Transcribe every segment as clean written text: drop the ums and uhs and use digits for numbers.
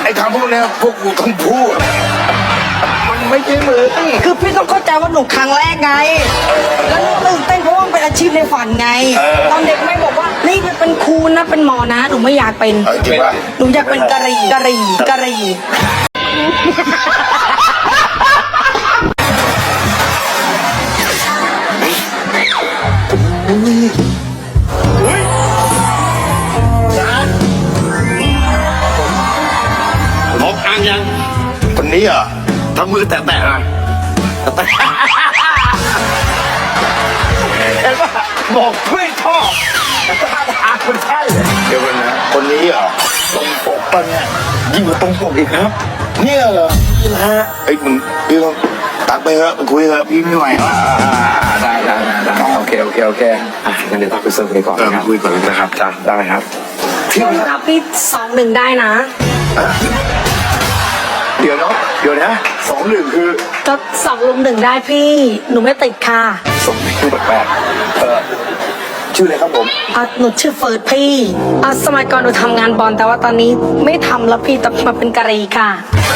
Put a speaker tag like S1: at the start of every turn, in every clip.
S1: อ้คำพวกนี้พวกกูต้องพูดมันไม่ใช่มือ
S2: คือพี่ต้องเข้าใจว่าหนูครั้งแรกไงแล้วหนูตื่นเต้นเพราะว่ามันเป็นอาชีพในฝันไงตอนเด็กไม่บอกว่านี่เป็นครูนะเป็นหมอนะหนูไม่อยากเป็น
S1: จริงปะ
S2: หนูอยากเป็นกะหรี่
S3: มองอ่างยัง
S1: คนนี้เหรอ
S3: ทำมือแตะๆอ่ะเห็นปะบอกไม่ชอบอาคนใช่
S1: เดี๋ยวกันนะคนนี้เหรอตรงปกปะเนี่ย
S3: ยิ่งกว่าตรงปกอีกครับ
S1: เนี่ยเหรอนี่นะฮะไอ้มึงพี่ต้องตักไปเถอะคุยเถอะพี่ไม่ไหวแล้ว
S3: ได้โอเคงั้นเดี๋ยวต้องไปเสิร์ฟไปก่อนนะครับ
S1: คุยก่อนนะครับจ้าได้ครับ
S2: พี่ครับพี่2-1ได้นะ
S1: เดี๋ยวนะ2-1คือ
S2: ก็2-1ได้พี่หนูไม่ติดค่ะ
S1: ชื่อแปลกชื่ออะไรครับผม
S2: หนูชื่อเฟิร์สพี่สมัยก่อนหนูทำงานบอลแต่ว่าตอนนี้ไม่ทำแล้วพี่แต่มาเป็นกะหรี่ค่ะ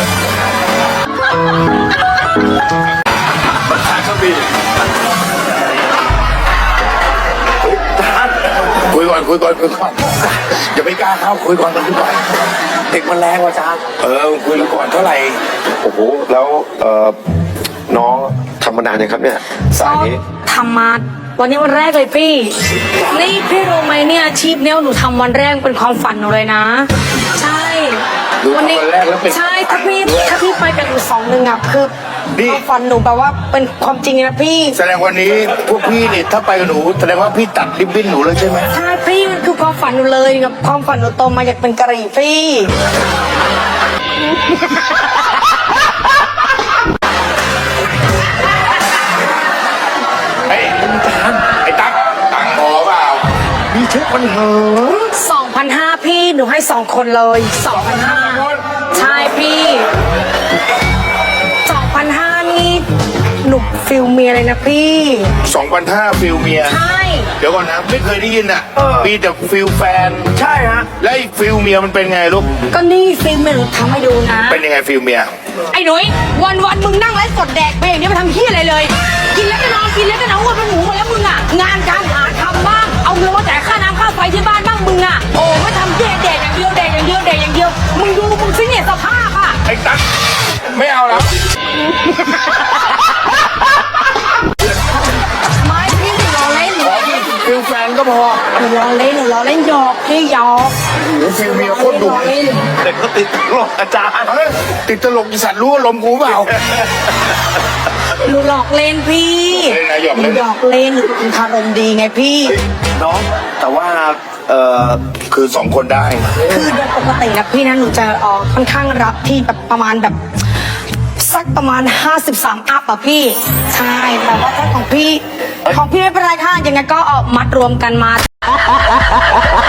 S1: คุยก่อนอย่าไปกล้าเข้าคุยก่อน
S3: เด็กมันแรงว่ะจ้า
S1: คุยก่อนเท่าไหร่
S3: โอ้โหแล้วน้องทำมานานยังครับเนี่ยสายนี้
S2: ทำมาวันนี้วันแรกเลยพี่นี่พี่รู้ไหมเนี่ยอาชีพเนี้ยหนูทำวันแรกเป็นความฝันหนูเลยนะใช่
S1: วันนี้
S2: ใช่ถ้าพี่ไปกับหนู2-1อ่ะคือความฝันหนูแบบว่าเป็นความจริงนะพี่
S1: แสดงวันนี้พวกพี่เนี่ยถ้าไปกับหนูแสดงว่าพี่ตัดริบบิ้นหนูเลยใช่ไหม
S2: ใช่พี่มันคือความฝันหนูเลยกับความฝันหนูโตมาอยากเป็นกะหรี่พี่
S1: ไอ้ตั๊กตังค์พอเปล่ามีเช็คมันเหรอ
S2: 2,500พี่หนูให้2คนเลย 2,500ใช่พี่ 2,500นี่หนูฟิลเมียเลยนะพี่
S1: 2,500ฟิลเมีย
S2: ใช่
S1: เดี๋ยวก่อนนะไม่เคยได้ยินอ่ะมีแต่ฟิลแฟน
S3: ใช่ฮะ
S1: แล้วไอ้ฟิลเมียมันเป็นไงลูก
S2: ก็นี่ฟิลเมียหนูทำให้ดูนะ
S1: เป็นยังไงฟิลเมีย
S2: ไอ้หนุ่ยวันมึงนั่งไลฟ์สดแดกไปอย่างนี้มาทำเหี้ยอะไรเลยกินแล้วก็นอนว่าเป็นหมูหมดแล้วมึงอ่ะงานการหาทำบ้างเอาเงินมาจ่ายค่าน้ำค่าไฟที่บ้านบ้างมึงอ่ะโอ้ไม่ทำแดกอย่างเดียวมึงดูมึงสิเนี่ยสภาพอ่ะ
S1: ไอ้ตั๊กไม่เอาแล้ว
S2: ไม่พี่หนูล้อเล่น
S1: ฟิลแฟนก็พอ
S2: หนูล้อเล่นหยอกพี่หยอก
S1: ฟิลเมียโคตรดุ
S3: เด็กก็ติดตลกอาจารย์
S1: ติดตลกอีสัตว์รู้ว่าลมกูเปล่า
S2: หนูหลอกเล่นพี่
S1: หยอกเ
S2: ล่นหนูเป็นคารมดีไงพี่
S3: น้องแต่ว่า
S1: คือ2คนได้
S2: คือโดยปกตินะพี่นะหนูจะค่อนข้างรับที่แบบประมาณแบบสักประมาณ53อัพอะพี่ใช่แต่ว่าถ้าของพี่ไม่เป็นไรค่ะยังไงก็มัดรวมกันมา